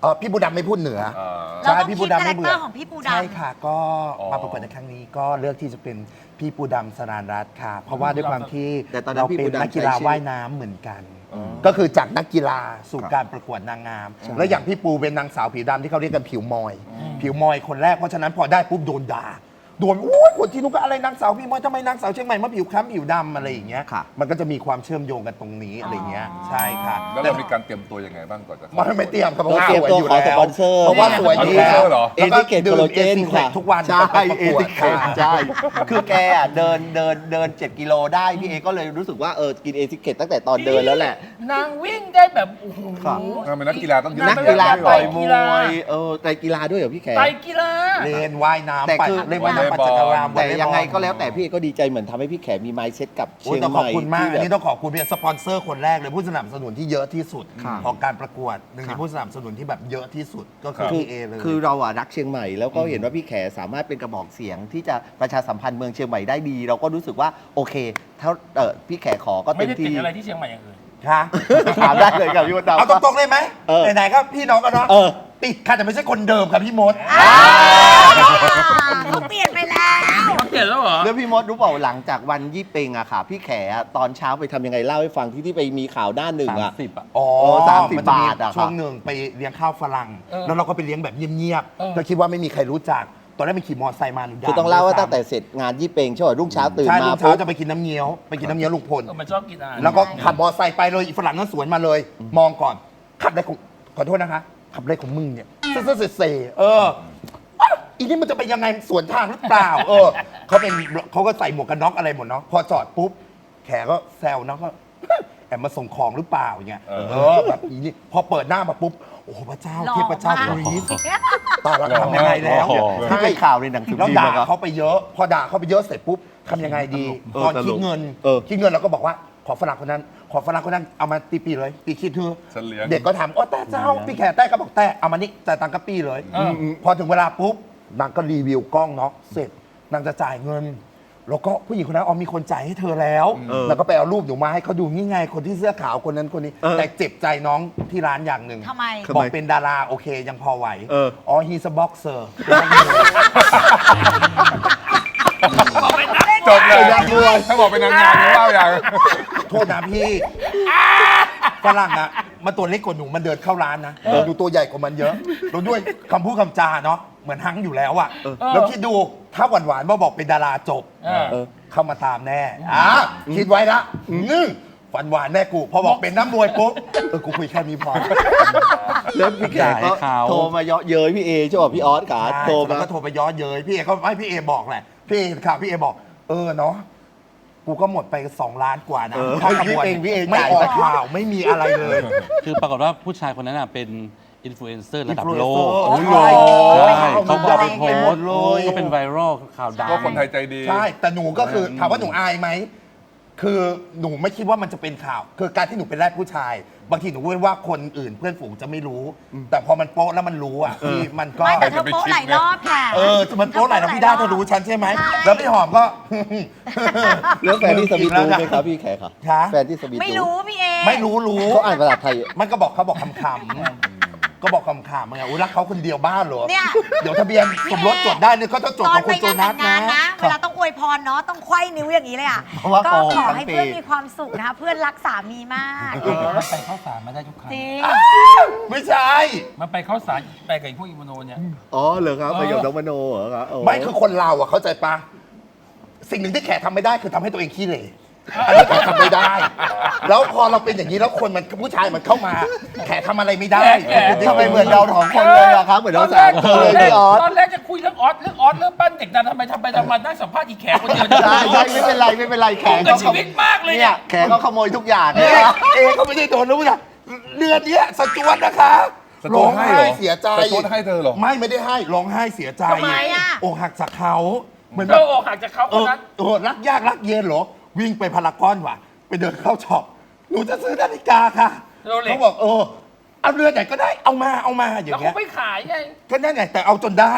เออพี่ปูดำไม่พูดเหนือ
อ่า
เราต้อง
พี่
คิ
ปู
ด
ดำ
คาแร
ไม่
ค
เบื่
เตอ
อ
ร์ของพี่ปูดำ
ใช่ค่ะ ก็
อ๋อ
มาประกวดในครั้งนี้ก็เลือกที่จะเป็นพี่ปูดำสรานรัตน์ค่ะ เพราะว่าด้วยความที่
แต่ตอนนั้น
เรา
พี่
เป็
ปู
น
ดำ
นักกีฬา
ใช้ชื่อ
ว่ายน้ำเหมือนกัน ก็คือจากนักกีฬาสู่
ครับ
การประกวดนางงาม แล้วอย่างพี่ปูเป็นนางสาวผิวดำที่เขาเรียกกันผิวมอย ผิวมอยคนแรกเพราะฉะนั้นพอได้ปุ๊บโดนด่าโดนโอ้ยคนที่นู้นก็อะไรนางสาวพี่มอยทำไมนางสาวเชียงใหม่มาผิวคล้ำผิวดำอะไรอย่างเงี้ย
ค่ะ
มันก็จะมีความเชื่อมโยงกันตรงนี้อะไรเงี้ยใช่ค่ะ
แล้วเรามีการเตรียมตัวยังไงบ้างก่อนจะเข้า
มันไม่เตรียมครับเพราะว่า
เตรียม
สวย
ตัว
อยู่
ขอ
แล้ว
สปอนเซอร์
เพราะว่าสวยอยู่แล้ว
เหรอ
เอติเกตโคโลเจนค่ะ
ทุกวัน
ใช่
ไปประ
เอก
วด
ติเกต
ค่ะ
ใช่ คือแกอ่ะเดินเดินเดินเจ็ดกิโลได้พี่เอก็เลยรู้สึกว่าเออกินเอติเกตตั้งแต่ตอนเดินแล้วแหละ
นางวิ่งได้แบบโอ้โห
ครับ
นางเป็นนักกีฬาต้องยืน
นักกีฬาต่อยม
กีฬา
วยเออแต่กีฬาด้วยเหรอพี่แข
ไตรกีฬา
เล่นว่ายน้ำ
แต่
ปั่น
คือ
เล่นว่ายน้ำปั่นจักรยาน
แต่
วอลเลย์บอล
ยังไงก็แล้วแต่พี่เอก็ดีใจเหมือนทำให้พี่แขมีไมซ์เซ็ตกับ
โอ้
เชียง
ต้อง
ให
ขอบ
ม่
คุณมาก
ที่
อัน
แบบ
นี้ต้องขอบคุณเป็นสปอนเซอร์คนแรกเลยผู้สนับสนุนที่เยอะที่สุด
ครับ
ของการประกวดหนึ่งในผู้สนับสนุนที่แบบเยอะที่สุดก็คือ
คือ
พี่เอเลย
คือเราอะรักเชียงใหม่แล้วก็เห็นว่าพี่แขสามารถเป็นกระบอกเสียงที่จะประชาสัมพันธ์เมืองเชียงใหม่ได้ดี เราก็รู้สึกว่าโอเคถ้าเออพี่แขขอก็
ไม่
เต็ม
ได้ติด
ที่
อะไรที่เชียงใหม่อย่างอื่น
ค่ะ
ถามได้เลยครับพี่มดดำ
เอาตรงๆเลยไหม
เออ
ไหนๆก็พี่น้องกันเนาะ
เออ
ติดค่ะแต่ไม่ใช่คนเดิมครับพี่มด
เขาเปลี่ยนไปแล้ว
เขาเปลี่ยนแล้วเหรอ
แล้วพี่มดรู้เปล่าหลังจากวันยี่เปงอะค่ะ พี่แขอะตอนเช้าไปทำยังไงเล่าให้ฟังที่ที่ไปมีข่าวด้านหนึ่ง
สาม
อะ
สิบอ่ะ
อ๋อ
เออสามสิบ
นจะมี
บาทอะครับ
ช่วงหนึ่งไปเลี้ยงข้าวฝรั่ง
เออ
แล้วเราก็ไปเลี้ยงแบบเงียบ
เออ
ๆเราคิดว่าไม่มีใครรู้จัก ตอนแรกไปขี่มอเตอร์ไซค์มาหนูด่
คือต้องเล่าว่าตั้งแต่เสร็จงานยี่เปงใช่ไหมรุ่งเช้าตื่น
ใช่
มา
ลูกเช้า
ปุ๊บ
จะไปกินน้ำเงี้ยวไปกินน้ำเงี้ยวลุงพล
เออมันชอบกินอาหาร
แล้วก็ขับมอเตอร์ไซค์ไปเลยอีฝรั่งนั้นสวนมาเลย มองก่อน ขับได้ของขอโทษนะคะ ขับได้ของมึงเนี่ยเซ่เซ่เซ่เอออ๊ะอีนี่มันจะไปยังไงสวนทางหรือเปล่า เออเขาเป็นเขาก็ใส่หมวกกันน็อกอะไรหมดเนาะพอจอดปุ๊บแขก็แซวเนาะก็ แอบมาส่งของหรือเปล่าอย่างเงี้ย
เออ
เออแบบอีนี่พอเปิดหน้ามาปุ๊บโอ้โหพระเจ้าเทพเจ้ากรี๊ดตายแล้วทำยังไงแล้ว
โอ้โห
ที่เป็นข่าวในหนังสือ
แล้ว
พิมพ์
ด่า
นะครับ
เขาไปเยอะ พอด่าเขาไปเยอะเสร็จปุ๊บทำยังไงดี
เออ
ตอน
ตลก
คิดเงิน
เออ
คิดเงินเราก็บอกว่าขอฝรั่งคนนั้น ขอฝรั่งคนนั้นเอามาตีปีเลยตีคิดเธอ
ฉันเลี้ยง
เด็กก็ถามโอ้แต่เจ้าพี่แขกแต่ก็บอกแต่เอามานี่จ่ายตังค์กับปีเลย
เอออื
มพอถึงเวลาปุ๊บนางก็รีวิวกล้องเนาะเสร็จนางจะจ่ายเงิน แล้วก็ผู้หญิงคนนั้นอ๋อมีคนจ่ายให้เธอแล้ว
เออ
แล้วก็ไปเอารูปหนูมาให้เขาดูนี่ไงคนที่เสื้อขาวคนนั้นคนนี้
เออ
แต่เจ็บใจน้องที่ร้านอย่างหนึ่ง
ทำไม
บอกเป็นดาราโอเคยังพอไหว
เออ
อ๋อ he's a boxer
จบเลยถ้าบอกเป็นนางงามนี่ว่าอย่าง
โทษนะพี่ฝรั่งอะมันตัวเล็กกว่าหนูมันเดินเข้าร้านนะดูตัวใหญ่กว่ามันเยอะแล้วด้วยคำพูดคำจาเนาะเหมือนฮังอยู่แล้วอะแล้วคิดดูถ้าหวานๆมาบอกเป็นดาราจบ
เออ
เออ
เข้ามาตามแน่อ่ะคิดไว้ละอืมฝันหวานแน่กู พอบอกเป็นน้ำมวยปุ๊บเออกูคุยแค่นี้พอ
แล้วพี่แขกก็
จ่ายให้เขา
โทรมาเยาะเย้ยพี่เอใช่ป่ะพี่ออสขาโทร
แล้
มา
วก็โทรไปย้อนเย้ยพี่เอเขาให้พี่เอบอกแหละพี่เอข่าวพี่เอบอก เออเนาะกูก็หมดไปสองล้านกว่านะ
เออ
ค่าขบวน
พี่เองพี่เอง
ไม่
จ่าย
ออกข่าวไม่มีอะไรเลย
คือปรากฏว่าผู้ชายคนนั้นน่ะเป็นอินฟลูเอนเซอร์ระดับโลก
Influencer
โอ้โห
ใช่
ใช่เขาก็เอาไปโพสต์
เลย
ก็เป็นไวรัลข่าวดัง
ก็คนไทยใจดี
ใช่ แต่หนูก็คือถามว่าหนูอายไหม คือหนูไม่คิดว่ามันจะเป็นข่าว คือการที่หนูเป็นแรกผู้ชาย บางทีหนูเว้นว่าคนอื่นเพื่อนฝูงจะไม่รู้ แต่พอมันโป๊ะแล้วมันรู้อ่ะพี่มันก็
ไม่แต่เธอโป๊ะหลายรอบค่ะ
เออมันโป๊ะหลายรอบพี่ด้าเธอรู้ฉันใช่ไหม แล้วพี่หอมก็
แล้วแฟนที่สวีทรู้ไหมครับพี่แขกครับ
คะ
แฟนที่สวีท
ไม่รู้พี่เอ
ไม่รู้รู้
เขาอ่านภาษาไทย
มันก็บอกเขาบอกคำคำๆก็บอกคำคำไงอุ้ยรักเขาคนเดียวบ้านเหรอ
เนี่ย
เดี๋ยวทะเบียนสมรสจดได้เนี่ยก็ต้องจด
ตอ
ข
น
อง
ไป
คุณโจ
งาน
นั
แต่
ส
งงาน
นะ
นะ เวลาต้องอวยพรเนาะต้องไขว้นิ้วอย่างนี้เลยอ่ะ
เพราะว่า
ก็
โกง
ขอ
ทั้ง
ให้
ปี
เพื่อนมีความสุขนะคะเพื่อนรักสามีมาก
มันไปเข้าสารมาได้ทุกครั้ง
จริง
ไม่ใช่
มันไปเข้าสารไปกับไอ้พวกอิมโนเนี่ย
อ๋อเหรอครับประโยชน์น้องมโนเหรอครับโ
ไม่คือคนเราอ่ะเข้าใจปะสิ่งหนึ่งที่แขกทำไม่ได้คือทำให้ตัวเองขี้เหร่อันนี้แขกทำไม่ได้ แล้วพอเราเป็นอย่างนี้แล้วคนมันผู้ชายมันเข้ามา แขกทำอะไรไม่ได้
แขก
ทำไมเหมือนเราสองคนเลยอะครับเหมือนเราสามคนเลยพี่ออส
ตอนแรกจะคุยเรื่องออสเรื่องออสเรื่องปั้นเด็กนะทำไมทำไปทำมานั่งสัมภาษณ์อีแขกคนเดียว
ใช่ใช่ไม่เป็นไรไม่เป็นไรแขก
กับชีวิตมากเลย
เนี่
เนี่ย ย
แขกก็ขโมยทุกอย่าง
เอ๊ะเอ๊ะเขาไม่ได้โดนรู้นะเดือนเนี้ยสจวตนะคะ
สจวตให้เหรอ
ร้องไห้เสียใจ
สจวตให้เธอเหรอ
ไม่ไม่ได้ให้ร้องไห้เสียใจ
ทำไมอะ
อกหักจากเขาเหมือน
เธ
แบ
อบ อกหักจากเขา
เอ
คน
อ
นั้น
เออรักยากรักเย็นเหรอ วิ่งไปพารากอนว่ะ ไปเดินเข้าช็อปหนูจะซื้อนาฬิกาค่ะ
โรเล็ก
เขาบอกเออเอาเรือนไหนก็ได้เอามาเอามาอย่า
แล้ว
งเงี้
เขา
ย
ไม่ขายไง
ก็นั่นไงแต่เอาจนได้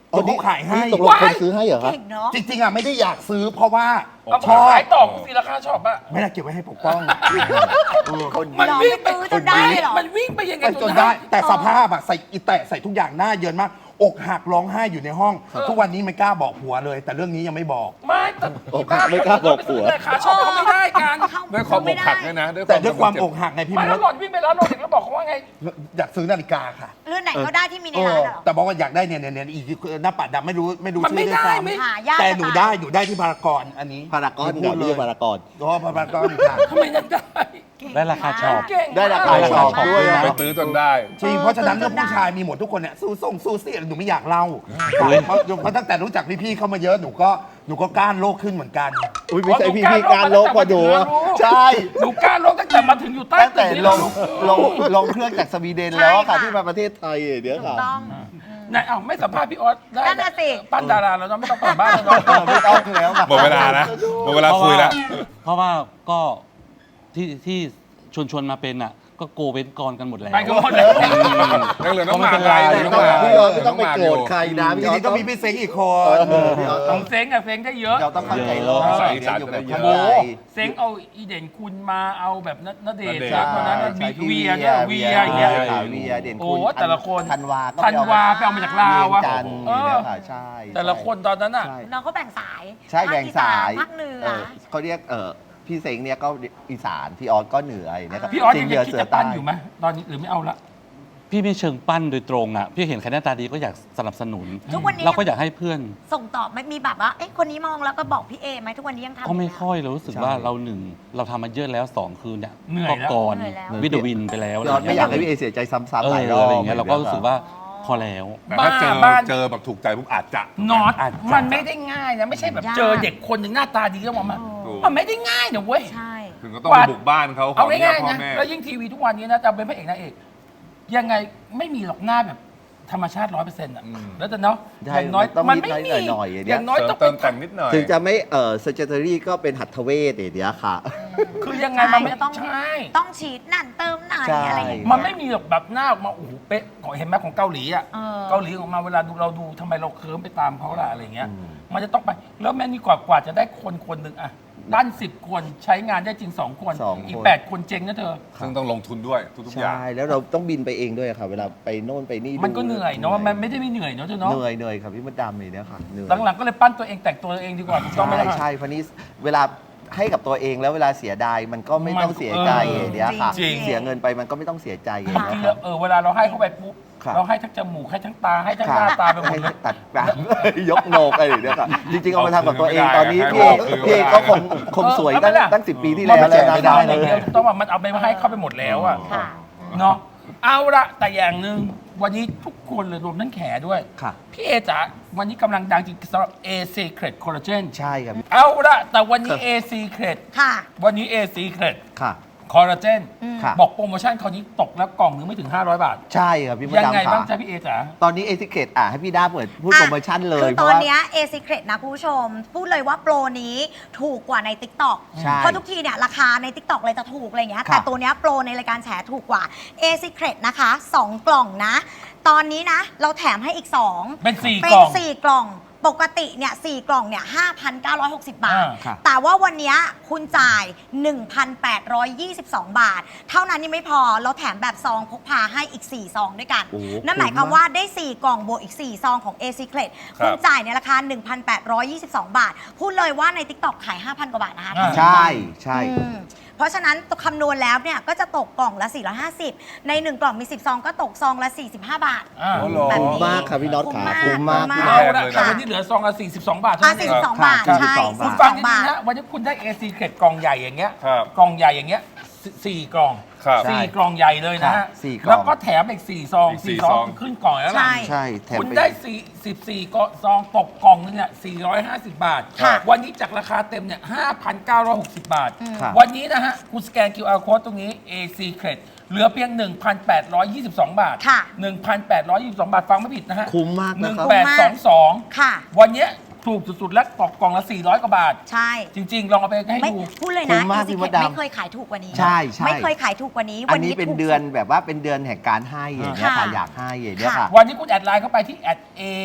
คนที่ขายให้
ตกลงคนซื้อให้เหรอครับ
เก่งเนาะ
จริงๆอ่ะไม่ได้อยากซื้อเพราะว่า
เอา
ชอบ
ขายต่อกูสิราคาชอบอะ
ไม่ได้เก็บไว้ให้ปกป้อง
คน
มัน
หรอ
วิ่งไป
ไม่ซื้อจนได้เหรอ
มันวิ่งไปยังไง
ไปจนได้ แต่สภาพอะใส่อีแตะใส่ทุกอย่างหน้าเยินมากอกหักร้องไห้อยู่ในห้อง ทุกวันนี้ไม่กล้าบอกผัวเลย แต่เรื่องนี้ยังไม่บอก
ไม่แต่
โอ้ไม่กล้าบอกผัว
ราคาชอบเขาไม่ได้กัน
ด้วยความอกหักด้วยนะ
แต่ด้วยความอกหักไงพี่
ไม่
ม
แล้ว
ด
หล่อนวิ่งไปแล้วหล่อนเด็กแล้วบอกเขาว่าไง
อยากซื้อนาฬิกาค่ะ
เรื่องไหนก็ได้ที่มีใน
เอ
ร้า
อน
เหรอ
แต่บอกว่าอยากได้เนี่ยเนี่ยเนี่ยอีกหน้าปัดดำไม่รู้ไม่รู้
มัน
ชื่
ไม่
อด้วย
ได้
ซ้
ไม่
หายาก
ำแต่หนู
จะตาย
ได้หนูได้ที่พารากอนอันนี้
พารากอน
พู
กั
ด
บ
เล
พี่
ย
พารากอน
อ๋อพารากอนค่ะ
ทำไมนั่นได้
ได้ราคาชอบ
เก่ง
ได้ราคา
ได้
ชอบ
ราคา
ด้วย
ชอบ
นะ
ไปตื้อจนได้
จริงเพราะฉะนั้นเรื่องผู้ชายมีหมดทุกคนเนี่ยสู้ส่งสู้เสียหนูไม่อยากเล่าเพราะเพราะตั้งแต่รู้จักพี่ๆเข้ามาเยอะหนูก็หนูก็ก้านโลกขึ้นเหมือนกัน
อุ้ยไม่ใช่พี่พี่การลบกว่าดูอะใช่
หนูกล้าลงตั้งแต่มาถึงอยู่ใต้
ตั้งแต่
ตึกนี่
ล
เรา
ง
รู้
ลงลงเครื่องจากสวีเดนแล้วค่ะ
ใช่ค่ะ
ที่มาประเทศไทยเดี๋ยว
ถู
ค่ะ
กต้อง
ไหนเอ้าไม่สัมภาษณ์พี่ออสได้
นั่นน่ะสิ
ปั้นดาราแล้วเนาะไม่ต้องปั้นบ้านแล้ว
เออ
เนาะ
ไม่ต้องแล้วค่ะ
หมดเวลานะหมดเวลาคุยแล้ว
เพราะว่าก็ที่ที่ชวนชวนๆมาเป็นอ่ะ ก็โกเว้นกรกันหมดแล้ว
ไปกันหมดแล้ว
ยังเหลือน้องห
ก็
มา
ไม่เป็นไร
เหลือน้องหมา
พี่ออสไม่ต้องไปโกรธใครนะ
ที
พี่ออ
นี้
ส
ก็
ต้อง
มีพี่เซ็งอีกคน
เออพี่ออส
ข
ต้
อ
อง
งเซ้งอะเซ้งได้เยอะ
เราต้องเข้าใจโลก
ใส่
เดี๋ยวอยู่แบบ
เยอะ
เข้าใจ
เซ้งเอาอีเด่นคุณมาเอาแบบณเดชน์
ณเดชน์
เซ็งคนนั้น
ใช่
เวียเนี่ยเวียอย่างเงี้ย
ค่ะเวียเด่น
โอ้
คุณ
แต่ละคน
ธันวาก็
ธันวาไปเอามาจากลาวอะ
เวียงจันทร์
เออ
เนี่ยค่ะใช่
แต่ละคนตอนนั้นอะ
ใช่
น้องเขาแบ่งสาย
ใช่แบ่งสาย
ภาคเหนือ
เออเขาเรียกเออพี่เซ็งเนี่ยก็อีสานพี่ออสก็เหนืออย่างเงี้ยครับ
พี่ออส
สิ
ยัง
เหนือ
คิด
เสือ
จะปั้
ใต้
นอยู่ไหมตอนนี้หรือไม่เอาละ
พี่ไม่เชิงปั้นโดยตรงอ่ะ พี่เห็นใครหน้าตาดีก็อยากสนับสนุน
ทุกวันนี้
เราก็อยากให้เพื่อน
ส่งต่อไม่มีแบบว่าเอ๊ะคนนี้มองแล้วก็บอกพี่เอไหมทุกวันนี้ยังทำ
ก็ไม่
ยู่นะ
ค่อยเรารู้สึกว่าเราหนึ่งเราทำมาเยอะแล้วสองคือเนี่ย
เหนื่อย
ก็
แล้ว
ก่อน
เหนื่อยแล้ว
วิดวินไปแล้ว
พี่ออสไม่อยากให้
ะร
พี่เอเสียใจซ้ำ
เอ
ๆห
อ
ลายรอบ
อะไรอย่างเงี้ยเราก็รู้สึกว่าพอแล้ว
แต่ถ้าเจอ
บ้าน
เจอแบบถูกใจปุ๊บอาจจะ
นอต
อาจจะ
มันไม่ได้ง่ายนะไม่ใช่แบบ
ยาก
เจอเด็กคนหนึ่งหน้าตาดีแล้วมา
ถูก
มันไม่ได้ง่ายนะเว้ย
ใช่
ถึงก็ต้องไปบุกบ้านเขาขอ
เอา
อนุญา
ง่า
ต
ย
พ่อ
ๆนะ
แม่
แล้วยิ่งทีวีทุกวันนี้นะจะเป็นพระเอกนางเอกยังไงไม่มีหรอกหน้าแบบธรรมชาติร้อยเปอร์เซ็นต์อ่ะ
อืม
แล้วแต่เนาะ
ใช่
อย่างน้อย
ต้อง
มัน
นิด
ไม่
หน่
มี
อยหน่อยอย่างเงี้ย
อย่างน้อย
เสริ
ต้อ
ม
ง
เติ
เป็
ม
น
แต่งนิดหน่อย
ถึงจะไม่เออเซอร์เจอรี่ก็เป็นหัตถเวชเดี๋ยวค่ะ
คือยังไงมันไม่
ใช่ต้อง
ใช่
ต้องฉีดนั่นเติมนั่น
ใช่
อะไรอย่างเงี้ย
มันไม่มีหรอกแบบหน้าออกมาโอ้โหเป๊ะของเห็นไหมของเกาหลีอ่ะ
เออ
เกาหลีออกมาเวลาดูเราดูทำไมเราเคิร์มไปตามเขาล่ะอะไรเงี้ย
อืม
มันจะต้องไปแล้วแม่นี่กว่ากว่าจะได้คนคนหนึ่งอะด้านสิบคนใช้งานได้จริงสองคน
สองคน
อีกแปดคนเจ๊งนะเธอ
ซึ่งต้องลงทุนด้วยทุกๆอย่าง
ใช่แล้วเราต้องบินไปเองด้วยค่ะ เวลาไปโน่นไปนี่
มันก็เหนื่อยเนาะมันไม่ได้ไม่เหนื่อยเนาะเธอเนาะ
เหนื่อยเหนื่อยครับพี่มดดำเลยเนี่ยค่ะเหนื่อย
หลังๆก็เลยปั้นตัวเองแต่งตัวเองดีกว่าถูกต้องไหม
ใช่
ล่ะ
ใช่เพราะนี้เวลาให้กับตัวเองแล้วเวลาเสียดายมันก็ไม่ต้องเสียใจ
เออ
อย่างเนี้ยค่ะ
จริง
เสียเงินไปมันก็ไม่ต้องเสียใจอย่าง
บาง
เงี้
ที
ย
เรา
ค่ะ
เออเวลาเราให้เขาไปปุ๊บ
ครับ
เราให้ทั้งจมูกให้ทั้งตาให้ทั้ง
ค
ห
รับ
น้าตาไปหมด
ให้
เลย
ตัดแบบ ยกโหนกอะไรอย่างเงี้ยค่ะจริงๆเอามาทำกับตัวเอง
เอาคืน
ตอนนี้
ไม่
พี่
ได้
เอก
เอาคืน
พี่เอก
ไม่ได้
ก็คงคงสวย
เออ
ตั้ง
ไม่ได้
ตั้งสิบปีที่แล้ว
มัน
แล้ว
ไม่
นะ
ใช่
ได้
เรา
เล
อย่างเดียวย ต้องว่ามันเอาไปให้เข้าไปหมดแล้วอะ
ค่ะ
เนาะเอาละแต่อย่างหนึ่งวันนี้ทุกคนเลยรวมทั้งแขด้วย
ค่ะ
พี่เอจ๋าวันนี้กำลังดังจริงสำหรับ A Secret Collagen
ใช่ครับ
เอาละแต่วันนี้ A Secret
ค่ะ
วันนี้ A Secret
ค่ะ
คอลลาเจน
ค่ะ
บอกโปรโมชั่นคราวนี้ตกแล้วกล่องนึงไม่ถึง ห้าร้อยบาท
ใช่ครับพี่มด
ยังไง
ดำ
บ้าง
ค่ะ
จ๊ะพี่เอจ๋า
ตอนนี้เอซิเคตอ่ะให้พี่ด้าเปิดพูด
อ่ะ
โปรโมชั่นเลย
คือ
เพ
ต
ราะ
อน
ว่า
เนี้ย A Secret นะคุณผู้ชม พูดเลยว่าโปรนี้ถูกกว่าใน TikTok
ใช่
เพราะทุกทีเนี่ยราคาใน TikTok เลยจะถูกอะไรอย่างเงี้ย
ครับ
แต่ตัวเนี้ยโปรในรายการแฉถูกกว่า A Secret นะคะสองกล่องนะ ตอนนี้นะ เราแถมให้อีกสอง
เป็นสี่
เป็
ก
น
ล่อง
สี่กล่องปกติเนี่ยสี่กล่องเนี่ยห้าพันเก้าร้อยหกสิบบาท
อ่า
ครับ
แต่ว่าวันเนี้ยคุณจ่าย หนึ่งพันแปดร้อยยี่สิบสอง บาท เท่านั้นยังไม่พอเราแถมแบบซองพกพาให้อีกสี่ซองด้วยกัน
โอ้โห
นั่นหมายความว่าได้สี่กล่องบวกอีกสี่ซองของ A Secret
ครับ
คุณจ่ายในราคา หนึ่งพันแปดร้อยยี่สิบสอง บาท พูดเลยว่าใน TikTok ขาย ห้าพัน กว่าบาทนะคะ
อ่า
ใช่ใช่
อืมเพราะฉะนั้นคำนวณแล้วเนี่ยก็จะตกกล่องละ สี่ร้อยห้าสิบ ในหนึ่งกล่องมีสิบซองก็ตกซองละ สี่สิบห้า บาท
อ่า
โอ้โห
แบบ
คุ้ม
นี้
มากครับพี่น็อตขาคุ้มมาก
คุ้
เอาละ
เลยนะ
แต่วันนี้เหลือซองละสี่สิบสองบาทเท่า
อ่ะ
นั้นเอง
สี่สิบสอง บาท
ครับ
ใช่
สี่สิบสอง
คุณ
สี่
ฟั
สิ
ง
บสอง
ดี
บาท
ๆนะวันนี้คุณได้ A Secret กล่องใหญ่อย่างเงี้ย
ครับ
กล่องใหญ่อย่างเงี้ยสสี่กล่อง
ครับ
สี่กล่องใหญ่เลยนะ
ครั
ฮะ
บสี่กล่อง
แล้วก็แถมอีกสี่ซอง
อีกสี่
สี่ซอง
ซอง
คือขึ้นกล่องแล้วล่ะ
ใช่
ใช่แถม
คุณ
ไป
ได้สี่สิบสี่ก็ซองตกกล่องนึงเนี่ยสี่ร้อยห้าสิบบาท
ค่ะ
วันนี้จากราคาเต็มเนี่ยห้าพันเก้าร้อยหกสิบบาท
ครับ
วันนี้นะฮะ คุณสแกน คิว อาร์ Code ตรงนี้ A Secret เหลือเพียง หนึ่งพันแปดร้อยยี่สิบสอง บาท
ค่ะ
หนึ่งพันแปดร้อยยี่สิบสอง บาท ฟังไม่ผิดนะฮะ
คุ้มมาก
หนึ่
นะ
ง
ครับ
แปดสองสอง
ค่ะ
วันเนี้ยถูกสุดๆ แล้วตกกล่องละสี่ร้อยกว่าบาท
ใช่
จริง ๆ ลองเอาไปให้
ไม่
ดู
พูดเลย
คุ้
นะ
มมาก
A
พี่
Secret
มดดำ
ไม่เคยขายถูกกว่านี้
ใช่ใช่
ไม่เคยขายถูกกว่านี้
อั
วัน น
นี้
นี้
เป็น
ถูก
เดือน
สุด
แบบว่าเป็นเดือนแห่งการให้อย่างเงี้ยค่ะ
ค่ะ
อยากให้อย่างเงี้ยค่ะ
วันนี้คุณแอดไลน์เข้าไปที่ แอด A